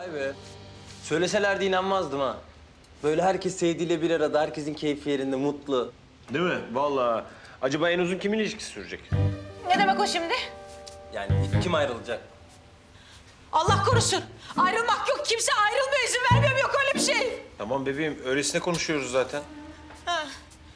Vay be. Söyleselerdi inanmazdım ha. Böyle herkes sevdiğiyle bir arada, herkesin keyfi yerinde, mutlu. Değil mi? Vallahi. Acaba en uzun kimin ilişkisi sürecek? Ne demek o şimdi? Yani kim ayrılacak? Allah korusun. Ayrılmak yok. Kimse ayrılmıyor. İzin vermiyorum. Yok öyle bir şey. Tamam bebeğim, öylesine konuşuyoruz zaten. Ha.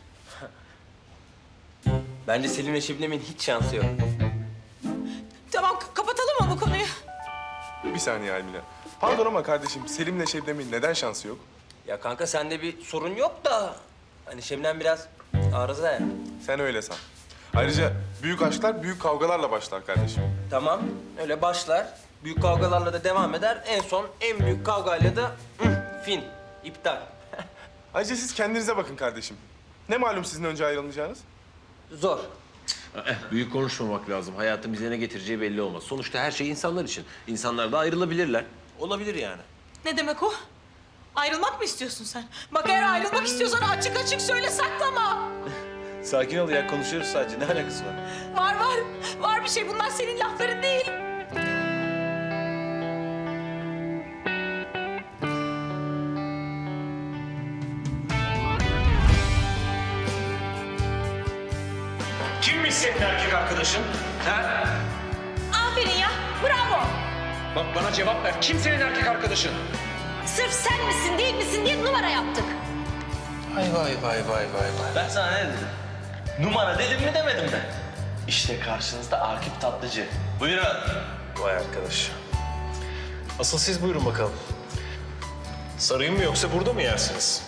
Bence Selim'le Şebnem'in hiç şansı yok. Tamam kapatalım mı bu konuyu? Bir saniye Almila. Pardon ama kardeşim Selim'le Şebnem'in neden şansı yok? Ya kanka sende bir sorun yok da... Hani Şebnem biraz arıza ya. Sen öyle san. Ayrıca büyük aşklar büyük kavgalarla başlar kardeşim. Tamam, öyle başlar. Büyük kavgalarla da devam eder. En son en büyük kavgayla da fin, iptal. Ayrıca siz kendinize bakın kardeşim. Ne malum sizin önce ayrılmayacağınız? Zor. Büyük konuşmamak lazım. Hayatın bize ne getireceği belli olmaz. Sonuçta her şey insanlar için. İnsanlar da ayrılabilirler. Olabilir yani. Ne demek o? Ayrılmak mı istiyorsun sen? Bak eğer ayrılmak istiyorsan açık açık söyle, saklama. Sakin ol ya, konuşuyoruz sadece. Ne alakası var? Var. Var bir şey. Bunlar senin lafların değil. Kimmiş senin erkek arkadaşın? Ha? Aferin ya. Bravo. Bak bana cevap ver. Kim senin erkek arkadaşın? Sırf sen misin değil misin diye numara yaptık. Vay. Ben sana ne dedim? Numara dedim mi demedim mi? İşte karşınızda Akif Tatlıcı. Buyurun. Vay arkadaş. Asıl siz buyurun bakalım. Sarayım mı yoksa burada mı yersiniz?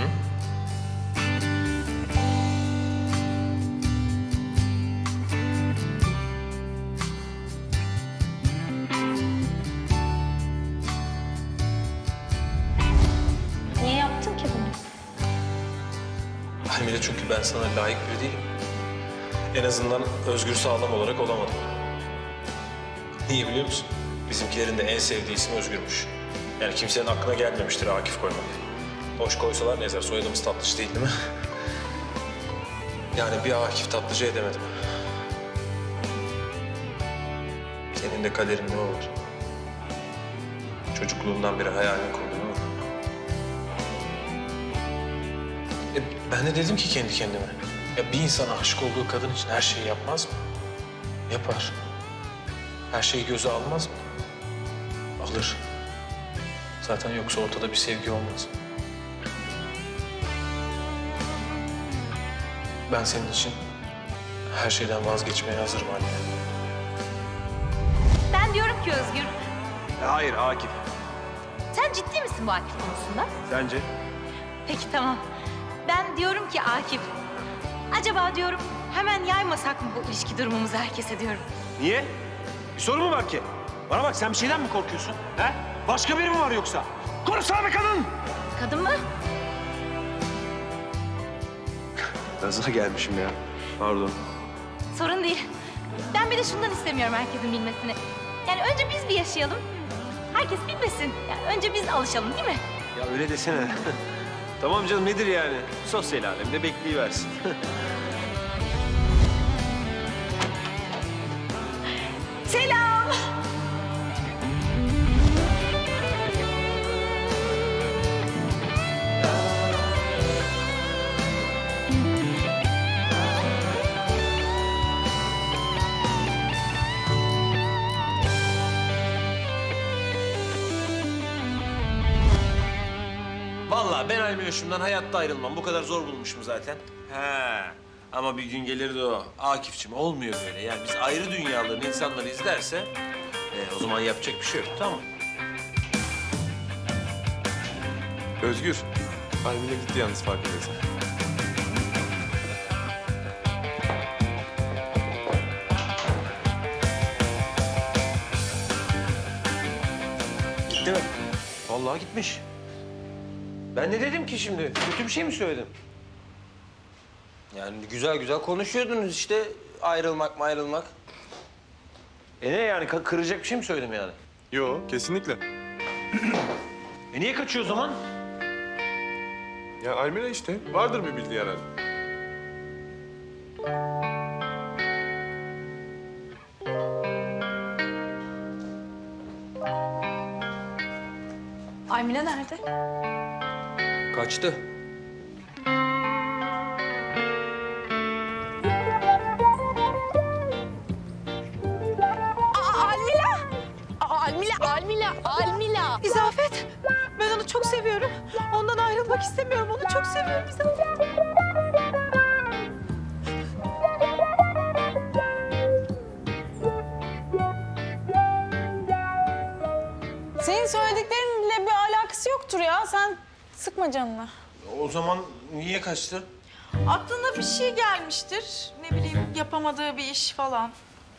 Niye yaptın ki bunu? Almila, çünkü ben sana layık biri değilim. En azından Özgür Sağlam olarak olamadım. Niye biliyor musun? Bizimkilerin de en sevdiği isim Özgür'müş. Yani kimsenin aklına gelmemiştir Akif koymak. Hoş koysalar ne ezer? Soyadımız Tatlıcı değil mi? Yani bir Akif Tatlıcı edemedim. Senin de kaderin ne olur? Çocukluğundan beri hayalini kurdun ama. Ben de dedim ki kendi kendime. Ya bir insan aşık olduğu kadın için her şeyi yapmaz mı? Yapar. Her şeyi göze almaz mı? Alır. Zaten yoksa ortada bir sevgi olmaz. Ben senin için her şeyden vazgeçmeye hazırım anne. Ben diyorum ki Özgür, Hayır Akif. sen ciddi misin bu Akif konusunda? Sence? Peki tamam. Ben diyorum ki Akif, acaba diyorum hemen yaymasak mı bu ilişki durumumuzu herkese diyorum. Niye? Bir sorun mu var ki? Bana bak, sen bir şeyden mi korkuyorsun? He? Başka biri mi var yoksa? Konuşsana be kadın! Kadın mı? Gaza gelmişim ya. Pardon. Sorun değil. Ben bir de şundan istemiyorum herkesin bilmesini. Yani önce biz bir yaşayalım. Herkes bilmesin. Yani önce biz alışalım değil mi? Ya öyle desene. Tamam canım, nedir yani? Sosyal alemde bekleyiversin. Selam. Vallahi ben Almiloş'umdan hayatta ayrılmam. Bu kadar zor bulmuşum zaten. He. Ama bir gün gelir de o. Akif'cim olmuyor böyle. Yani biz ayrı dünyaların insanları izlerse... o zaman yapacak bir şey yok, tamam mı? Özgür. Almila gitti yalnız farkındaysan. Gitti mi? Vallahi gitmiş. Ben ne dedim ki şimdi? Kötü bir şey mi söyledim? Yani güzel güzel konuşuyordunuz işte ayrılmak. Ne yani? Kıracak bir şey mi söyledim yani? Yo, kesinlikle. Niye kaçıyor o zaman? Ya Almila işte. Vardır bir bildiği herhalde. Aymile nerede? Kaçtı. Almila. İzafet, ben onu çok seviyorum. Ondan ayrılmak istemiyorum. Onu çok seviyorum İzafet. Senin söylediklerinle bir alakası yoktur ya. Sen sıkma canını. O zaman niye kaçtı? Aklına bir şey gelmiştir. Ne bileyim, yapamadığı bir iş falan.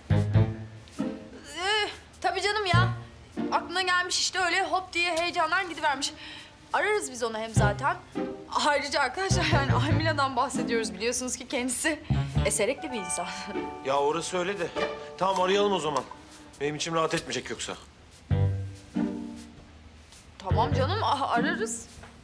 Tabii canım ya. Aklına gelmiş işte öyle hop diye heyecandan gidivermiş. Ararız biz onu hem zaten. Ayrıca arkadaşlar yani Almila'dan bahsediyoruz biliyorsunuz ki kendisi eserekli bir insan. Ya orası öyle de. Tamam arayalım o zaman. Benim içim rahat etmeyecek yoksa. Tamam canım ararız.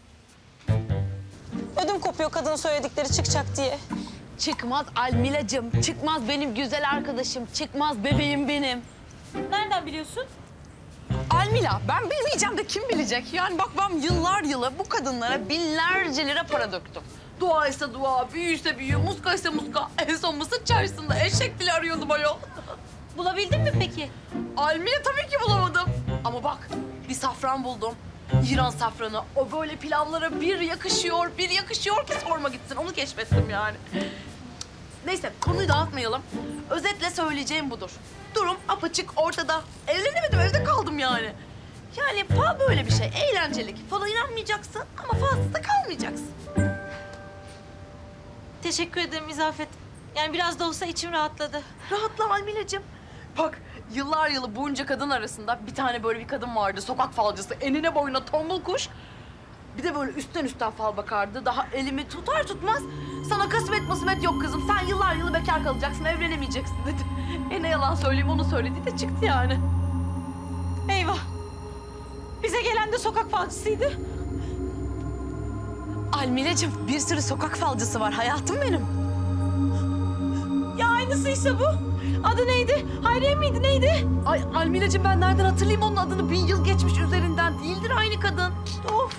Ödüm kopuyor kadının söyledikleri çıkacak diye. Çıkmaz Almilacığım. Çıkmaz benim güzel arkadaşım. Çıkmaz bebeğim benim. Nereden biliyorsun? Almila, ben bilmeyeceğim de kim bilecek? Yani bak ben yıllar yılı bu kadınlara binlerce lira para döktüm. Dua ise dua, büyü ise büyü, muska ise muska. En son Mısır çarşısında eşek dili arıyordum ayol. Bulabildin mi peki? Almila tabii ki bulamadım. Ama bak bir safran buldum. İran safranı. O böyle pilavlara bir yakışıyor ki sorma gitsin. Onu keşfettim yani. Neyse konuyu dağıtmayalım. Özetle söyleyeceğim budur. Durum apaçık ortada. Evlenemedim, evde kaldım yani. Yani fal böyle bir şey, eğlencelik. Fala inanmayacaksın ama falsız da kalmayacaksın. Teşekkür ederim İzafet. Yani biraz da olsa içim rahatladı. Rahatla Almila'cığım. Bak yıllar yılı bunca kadın arasında bir tane böyle bir kadın vardı. Sokak falcısı, enine boyuna tombul kuş. Bir de böyle üstten fal bakardı. Daha elimi tutar tutmaz sana kısmet yok kızım. Sen yıllar yılı bekar kalacaksın, evlenemeyeceksin dedi. Ne yalan söyleyeyim onu söyledi de çıktı yani. Eyvah. Bize gelen de sokak falcısıydı. Almilacığım bir sürü sokak falcısı var hayatım benim. Ya aynısıysa bu. Adı neydi? Hayriye miydi neydi? Ay Almila'cığım ben nereden hatırlayayım onun adını? 1000 yıl geçmiş üzerinden değildir aynı kadın. Of.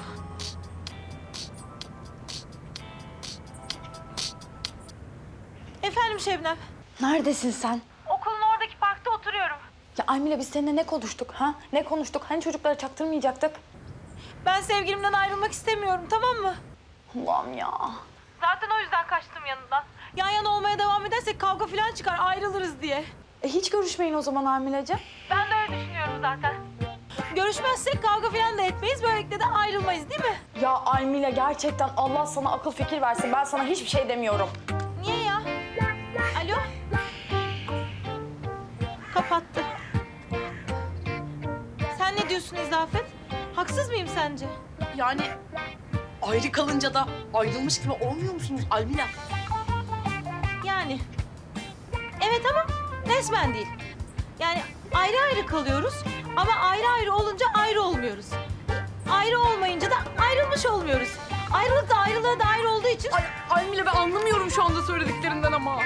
Efendim Şebnem. Neredesin sen? Okulun oradaki parkta oturuyorum. Ya Almila biz seninle ne konuştuk ha? Ne konuştuk? Hani çocuklara çaktırmayacaktık? Ben sevgilimden ayrılmak istemiyorum, tamam mı? Allah'ım ya. Zaten o yüzden kaçtım yanından. Yan yana olmaya devam edersek kavga falan çıkar, ayrılırız diye. Hiç görüşmeyin o zaman Almilacığım. Ben de öyle düşünüyorum zaten. Görüşmezsek kavga falan da etmeyiz, böylelikle de ayrılmayız değil mi? Ya Almila gerçekten Allah sana akıl fikir versin. Ben sana hiçbir şey demiyorum. Niye ya? Alo? Kapattı. Sen ne diyorsun İzafet? Haksız mıyım sence? Yani ayrı kalınca da ayrılmış gibi olmuyor musunuz Almila? Yani. Evet ama resmen değil. Yani ayrı ayrı kalıyoruz ama ayrı ayrı olunca ayrı olmuyoruz. Ayrı olmayınca da ayrılmış olmuyoruz. Ayrılık da ayrılığa da ayrı olduğu için... Ay Almila ben anlamıyorum şu anda söylediklerinden ama.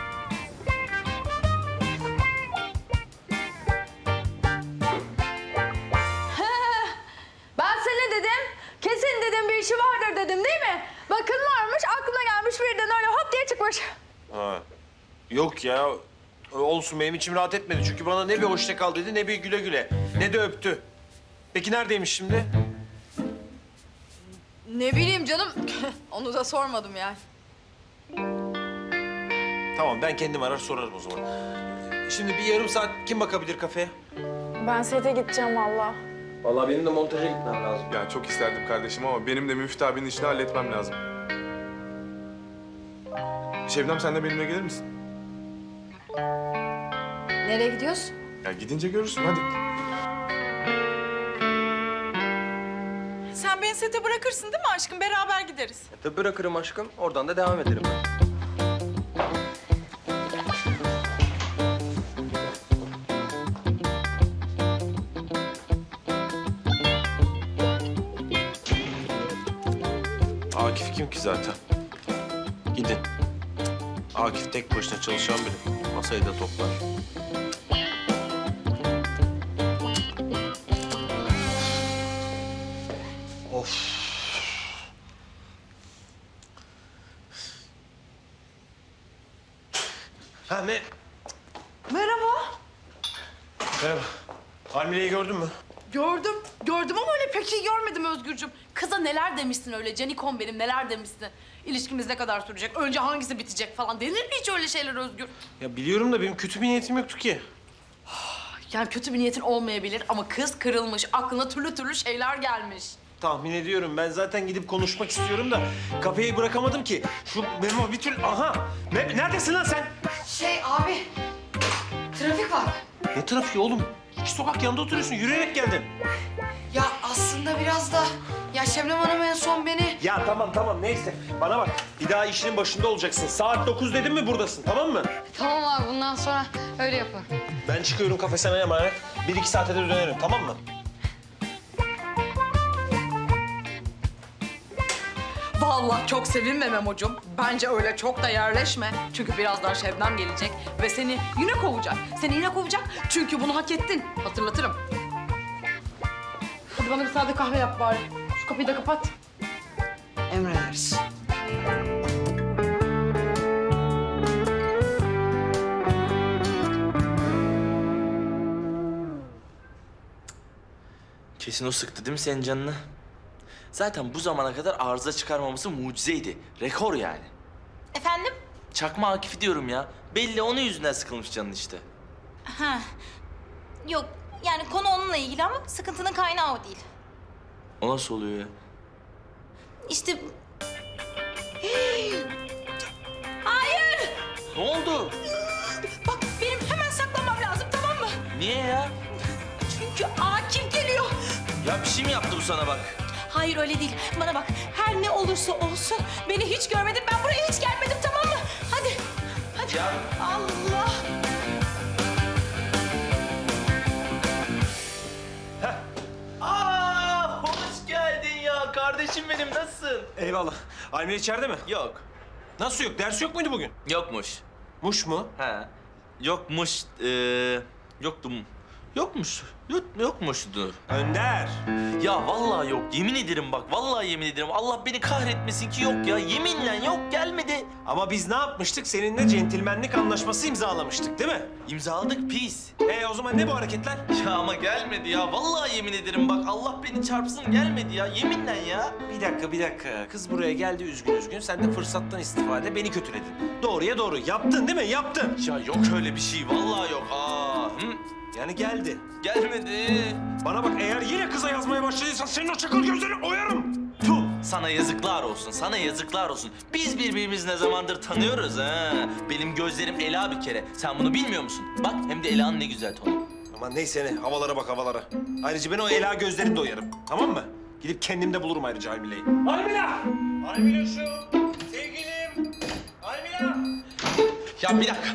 Ben sana dedim. Kesin dedim bir işi vardır dedim değil mi? Bakın varmış aklına gelmiş birden öyle hop diye çıkmış. Ha. Yok ya. Olsun benim içim rahat etmedi. Çünkü bana ne bir hoşça kal dedi ne bir güle güle. Ne de öptü. Peki neredeymiş şimdi? Ne bileyim canım. Onu da sormadım yani. Tamam ben kendim arar sorarım o zaman. Şimdi bir yarım saat kim bakabilir kafeye? Ben sete gideceğim valla. Vallahi benim de montaja gitmem lazım. Ya çok isterdim kardeşim ama benim de Müftü abinin işini halletmem lazım. Şebnem sen de benimle gelir misin? Nereye gidiyorsun? Ya gidince görürsün hadi. Sen beni sete bırakırsın değil mi aşkım? Beraber gideriz. Tabii bırakırım aşkım. Oradan da devam ederim. Akif kim ki zaten? Gidin. Akif tek başına çalışan biri. Masayı da toplar. Ha ne? Merhaba. Merhaba. Almile'yi gördün mü? Gördüm ama öyle pek iyi görmedim Özgürcüm. Kıza neler demişsin öyle, canikom benim neler demişsin. İlişkimiz ne kadar sürecek, önce hangisi bitecek falan. Denir mi hiç öyle şeyler Özgür? Ya biliyorum da benim kötü bir niyetim yoktu ki. Yani kötü bir niyetin olmayabilir ama kız kırılmış, aklına türlü türlü şeyler gelmiş. Tahmin ediyorum. Ben zaten gidip konuşmak istiyorum da kafeyi bırakamadım ki. Şu Memo bir türlü... Aha! Neredesin lan sen? Abi, trafik var. Ne trafiği oğlum? İki sokak yanında oturuyorsun. Yürüyerek geldin. Ya aslında biraz da... Ya Şebnem Hanım en son beni... Ya tamam neyse. Bana bak. Bir daha işinin başında olacaksın. Saat 9 dedim mi buradasın, tamam mı? Tamam abi, bundan sonra öyle yapın. Ben çıkıyorum, kafe sana emanet. 1-2 saate de dönerim, tamam mı? Vallahi çok sevinme Memo'cum. Bence öyle çok da yerleşme. Çünkü birazdan Şebnem gelecek ve seni yine kovacak. Seni yine kovacak çünkü bunu hak ettin. Hatırlatırım. Hadi bana bir sade kahve yap bari. Şu kapıyı da kapat. Emrederiz. Kesin o sıktı değil mi senin canını? Zaten bu zamana kadar arıza çıkarmaması mucizeydi. Rekor yani. Efendim? Çakma Akif'i diyorum ya. Belli onun yüzünden sıkılmış canın işte. Ha. Yok, yani konu onunla ilgili ama sıkıntının kaynağı o değil. O nasıl oluyor ya? İşte... Hayır! Ne oldu? Bak benim hemen saklanmam lazım, tamam mı? Niye ya? Çünkü Akif geliyor. Ya bir şey mi yaptı bu sana bak? Hayır öyle değil. Bana bak, her ne olursa olsun beni hiç görmedin. Ben buraya hiç gelmedim, tamam mı? Hadi. Hadi. Ya. Allah. Aa, hoş geldin ya. Kardeşim benim, nasılsın? Eyvallah. Almile içeride mi? Yok. Nasıl yok? Ders yok muydu bugün? Yokmuş. Muş mu? Ha. Yokmuş. Yoktum. Yokmuş. Yokmuştu. Önder. Ya vallahi yok. Yemin ederim bak. Vallahi yemin ederim. Allah beni kahretmesin ki yok ya. Yeminle yok, gelmedi. Ama biz ne yapmıştık? Seninle centilmenlik anlaşması imzalamıştık değil mi? İmzaladık pis. O zaman ne bu hareketler? Ya ama gelmedi ya. Vallahi yemin ederim bak. Allah beni çarpsın, gelmedi ya. Yeminle ya. Bir dakika. Kız buraya geldi üzgün. Sen de fırsattan istifade beni kötüledin. Doğruya doğru. Yaptın değil mi? Yaptın. Ya yok öyle bir şey. Vallahi yok. Aa. Yani geldi. Gelmedi. Bana bak, eğer yine kıza yazmaya başladıysan senin o çakal gözlerini oyarım. Tuh, sana yazıklar olsun, sana yazıklar olsun. Biz birbirimizi ne zamandır tanıyoruz ha. Benim gözlerim Ela bir kere. Sen bunu bilmiyor musun? Bak, hem de Ela'nın ne güzel tonu. Aman neyse ne, havalara bak havalara. Ayrıca ben o Ela gözlerini de oyarım, tamam mı? Gidip kendimde bulurum ayrıca Almile'yi. Almila! Almila şu! Sevgilim! Almila! Ya bir dakika.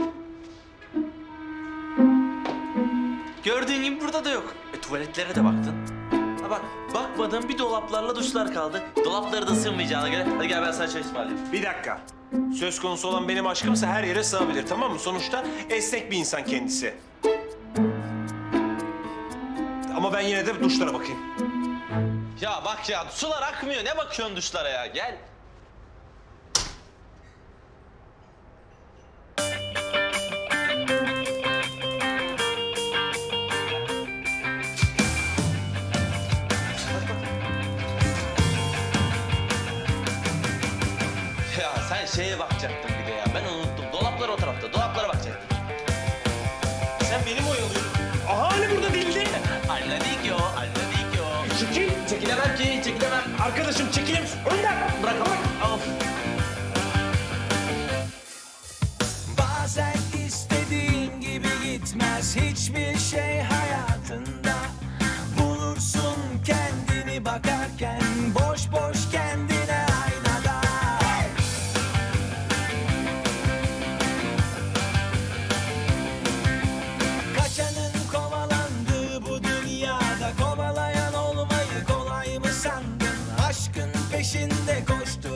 Gördüğün gibi burada da yok. Tuvaletlere de baktın. Ha bak, bakmadığın bir dolaplarla duşlar kaldı. Dolapları da sığmayacağına göre. Hadi gel ben sana çay ısmarlayayım. Bir dakika. Söz konusu olan benim aşkımsa her yere sığabilir, tamam mı? Sonuçta esnek bir insan kendisi. Ama ben yine de duşlara bakayım. Ya bak ya, sular akmıyor. Ne bakıyorsun duşlara ya? Gel. Ya sen şeye bakacaktın bir de ya. Ben unuttum. Dolaplar o tarafta. Dolaplara bakacaktın. Sen beni mi oyalıyorsun? Aha, hani burada değildi. Anladık yo, anladık yo. Çekil. Çekilemem ki, çekilemem. Arkadaşım çekilir misin? Önden. Bırak, bırak. Al. Bazen istediğin gibi gitmez hiçbir şey hayatında. Bulursun kendini bakarken boş boş kendine aynada. Kaçanın kovalandığı bu dünyada kovalayan olmayı kolay mı sandın? Aşkın peşinde koştur.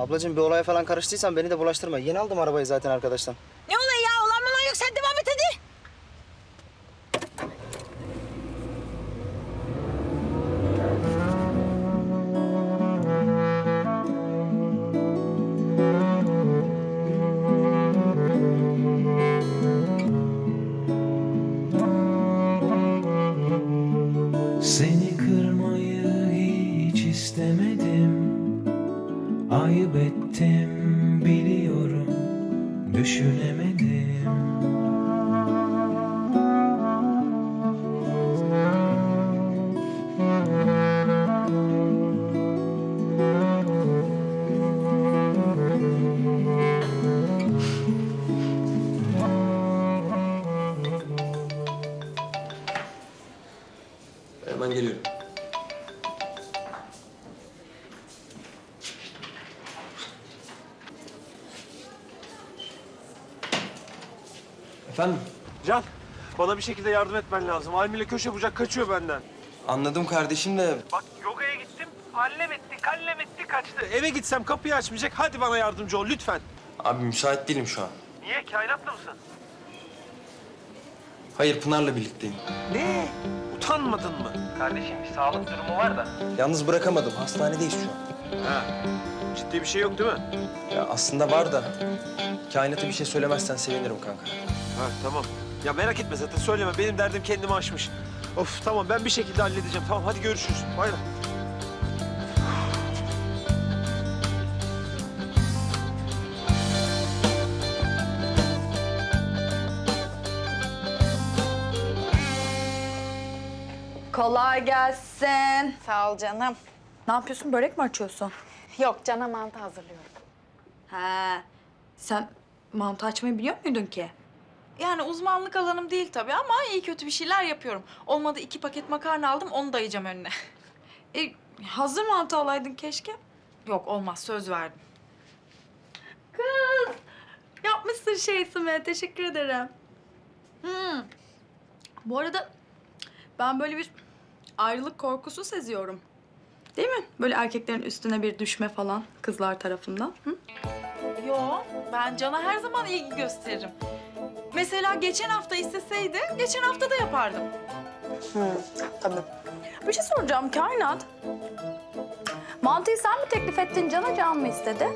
Ablacığım bir olaya falan karıştıysan beni de bulaştırma. Yeni aldım arabayı zaten arkadaştan. Ne oluyor ya? Olan mı yok? Sen devam et hadi. Seni kırmayı hiç istemedim. Ayıp ettim biliyorum. Düşünemedim. Hemen geliyorum. Efendim? Can, bana bir şekilde yardım etmen lazım. Almile köşe bucak kaçıyor benden. Anladım kardeşim de Bak yogaya gittim, hallem etti, kaçtı. Eve gitsem kapıyı açmayacak. Hadi bana yardımcı ol lütfen. abi müsait değilim şu an. Niye? Kainatla mısın? Hayır, Pınar'la birlikteyim. Ne? Utanmadın mı? Kardeşim bir sağlık durumu var da. Yalnız bırakamadım. Hastanedeyiz şu an. Ha. Ciddi bir şey yok değil mi? Ya aslında var da kainata bir şey söylemezsen sevinirim kanka. Ha tamam. Ya merak etme zaten söyleme. Benim derdim kendimi aşmış. Of tamam ben bir şekilde halledeceğim. Tamam hadi görüşürüz. Bay bay. Kolay gelsin. Sağ ol canım. Ne yapıyorsun? Börek mi açıyorsun? Yok cana mantı hazırlıyorum. He. Sen mantı açmayı biliyor muydun ki? Yani uzmanlık alanım değil tabii ama iyi kötü bir şeyler yapıyorum. Olmadı 2 paket makarna aldım, onu dayayacağım önüne. Hazır mantı alaydın keşke. Yok olmaz, söz verdim. Kız. Yapmışsın şeysime. Teşekkür ederim. Bu arada ben böyle bir ayrılık korkusu seziyorum. Değil mi? Böyle erkeklerin üstüne bir düşme falan kızlar tarafından. Hı? Yo, ben Can'a her zaman ilgi gösteririm. Mesela geçen hafta isteseydi, geçen hafta da yapardım. Tabii. Bir şey soracağım Kainat. Mantıyı sen mi teklif ettin Can'a, Can mı istedi?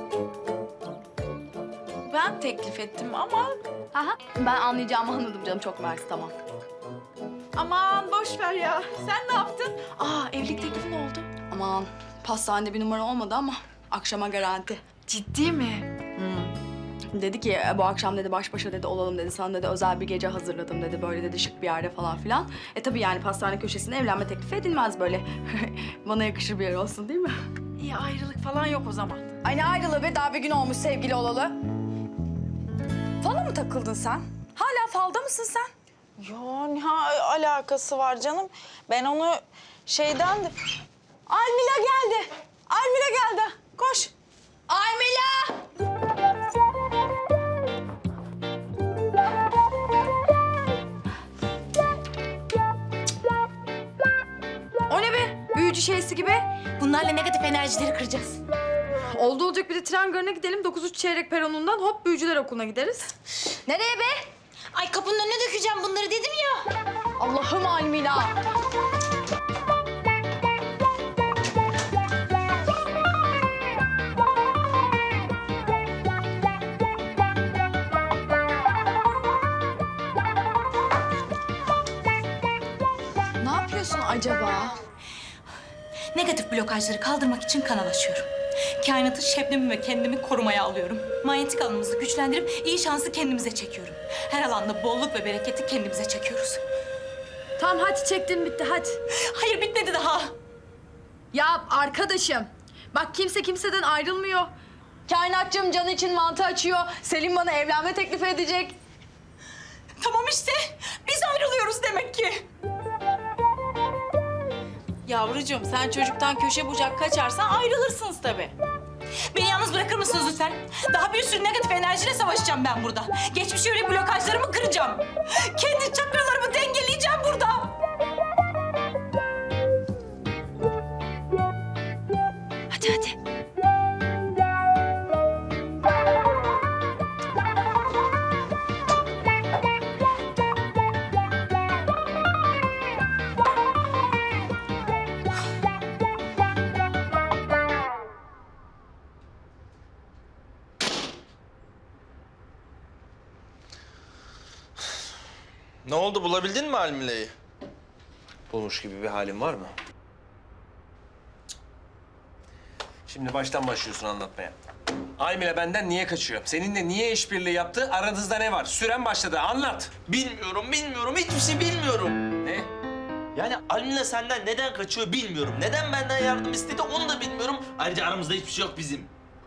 Ben teklif ettim ama Aha, ben anlayacağımı anladım canım. Çok mersi, tamam. aman boş ver ya. Sen ne yaptın? Aa, evlilik teklifi ne oldu? Aman pastanede bir numara olmadı ama akşama garanti. Ciddi mi? Dedi ki bu akşam dedi baş başa dedi olalım dedi. Sana dedi özel bir gece hazırladım dedi. Böyle dedi şık bir yerde falan filan. Tabii yani pastane köşesine evlenme teklifi edilmez böyle. Bana yakışır bir yer olsun değil mi? İyi, ayrılık falan yok o zaman. Ay ne ayrılığı be, daha bir gün olmuş sevgili olalı. Fala mı takıldın sen? Hala falda mısın sen? Yo, ne alakası var canım? Ben onu şeyden de... Almila geldi. Almila geldi. Koş. Almila! O ne be? Büyücü şeysi gibi. Bunlarla negatif enerjileri kıracağız. Oldu olacak bir de tren garına gidelim. 9:03 çeyrek peronundan hop büyücüler okuluna gideriz. Nereye be? Ay kapının önüne dökeceğim bunları dedim ya. Allah'ım Almila. Ne yapıyorsun acaba? Negatif blokajları kaldırmak için kanal açıyorum. Kainatı, Şebnem'i ve kendimi korumaya alıyorum. Manyetik alanımızı güçlendirip iyi şansı kendimize çekiyorum. Her alanda bolluk ve bereketi kendimize çekiyoruz. Tamam hadi çektim bitti hadi. Hayır bitmedi daha. Ya arkadaşım bak kimse kimseden ayrılmıyor. Kainatçım Can için mantı açıyor. Selim bana evlenme teklifi edecek. Tamam işte biz ayrılıyoruz demek ki. Yavrucuğum sen çocuktan köşe bucak kaçarsan ayrılırsınız tabii. Beni yalnız bırakır mısınız lütfen? Daha bir sürü negatif enerjiyle savaşacağım ben burada. Geçmiş yönelik blokajlarımı kıracağım. Kendi çakralarımı dengeleyeceğim burada. Hadi hadi. Ne oldu, bulabildin mi Almile'yi? Bulmuş gibi bir halin var mı? Şimdi baştan başlıyorsun anlatmaya. Aymile benden niye kaçıyor? Seninle niye işbirliği yaptı? Aranızda ne var? Süren başladı. Anlat. Bilmiyorum, hiçbir şey bilmiyorum. Ne? Yani Almila senden neden kaçıyor bilmiyorum. Neden benden yardım istedi onu da bilmiyorum. Ayrıca aramızda hiçbir şey yok bizim.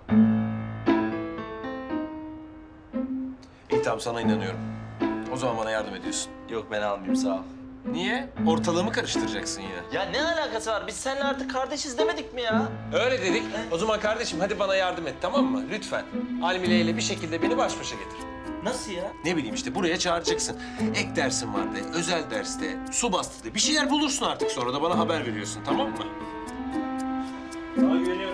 İyi tamam sana inanıyorum. O zaman bana yardım ediyorsun. Yok ben almayayım sağ ol. Niye? Ortalığımı karıştıracaksın yine. Ya ne alakası var? Biz seninle artık kardeşiz demedik mi ya? Öyle dedik. O zaman kardeşim hadi bana yardım et tamam mı? Lütfen. Almile ile bir şekilde beni baş başa getir. Nasıl ya? Ne bileyim işte buraya çağıracaksın. Ek dersin var de, özel derste, su bastı de. Bir şeyler bulursun artık sonra da bana haber veriyorsun tamam mı? Sana güveniyorum.